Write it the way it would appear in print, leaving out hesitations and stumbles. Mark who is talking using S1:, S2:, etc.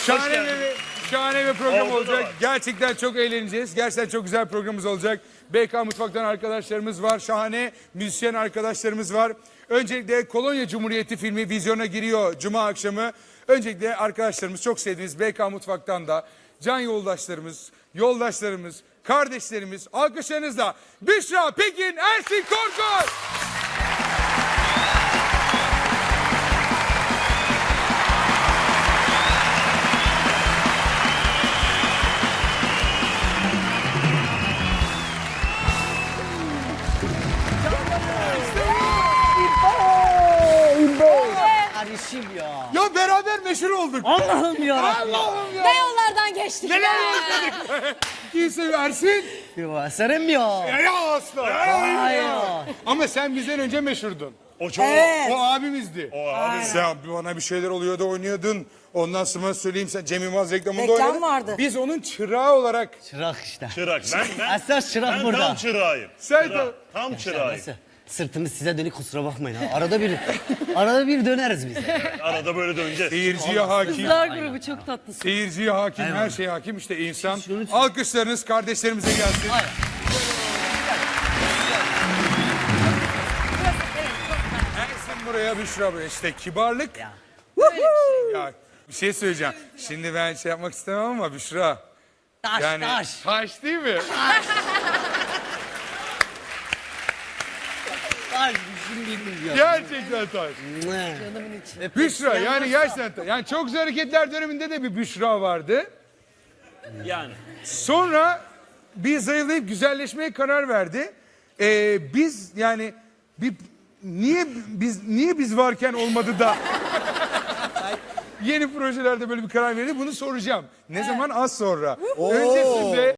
S1: Şahane bir program
S2: Orada da
S1: olacak.
S2: var.
S1: Gerçekten çok eğleneceğiz. Gerçekten çok güzel programımız olacak. BK Mutfak'tan arkadaşlarımız var. Şahane müzisyen arkadaşlarımız var. Öncelikle Kolonya Cumhuriyeti filmi vizyona giriyor Cuma akşamı. Öncelikle arkadaşlarımız, çok sevdiğiniz BK Mutfak'tan da can yoldaşlarımız, kardeşlerimiz, alkışlarınızla Büşra Pekin, Ersin Korkut.
S3: Kardeşim ya.
S1: Ya beraber meşhur olduk.
S3: Allah'ım ya.
S1: Allah'ım ya.
S4: Ne yollardan geçtik
S1: Neler
S4: ya.
S1: yaşadık. Kimse Ersin.
S3: Ya Serem ya.
S1: Ya asla.
S3: Ay ya.
S1: Ama sen bizden önce meşhurdun.
S2: O çok.
S1: O abimizdi.
S2: O abi.
S1: Sen bana bir şeyler oluyordu, oynuyordun. Ondan sonra söyleyeyim, sen Cem Yılmaz reklamında
S4: Reklam
S1: oynadın.
S4: vardı.
S1: Biz onun çırağı olarak.
S3: Çırak işte.
S2: Çırak.
S3: Esas çırak
S2: Ben
S3: burada.
S2: tam çırağıyım.
S1: Sen
S2: Çırak,
S1: de.
S2: tam çırağıyım.
S3: Nasıl? Sırtımız size dönük, kusura bakmayın ha. Arada bir döneriz biz.
S2: Arada böyle döneceğiz.
S1: Seyirciye hakim.
S4: Kızlar grubu çok tatlısın.
S1: Seyirciye hakim, her şeye hakim. İşte insan.
S3: Şunu-
S1: Alkışlarınız kardeşlerimize gelsin.
S3: Hayır.
S1: Ersin buraya, Büşra buraya. İşte kibarlık.
S3: Ya.
S1: Ya bir şey söyleyeceğim. Şimdi ben şey yapmak istemem ama Büşra.
S3: Taş
S1: Yani
S3: taş.
S1: taş değil mi?
S3: Taş düşündüğüm ya.
S1: Gerçekten taş. Büşra yani gerçekten. Yani çok güzel hareketler döneminde de bir Büşra vardı.
S2: Yani.
S1: Sonra bir zayıflayıp güzelleşmeye karar verdi. Biz yani niye biz varken olmadı da yeni projelerde böyle bir karar verdi, bunu soracağım. Ne zaman? Az sonra. Öncesinde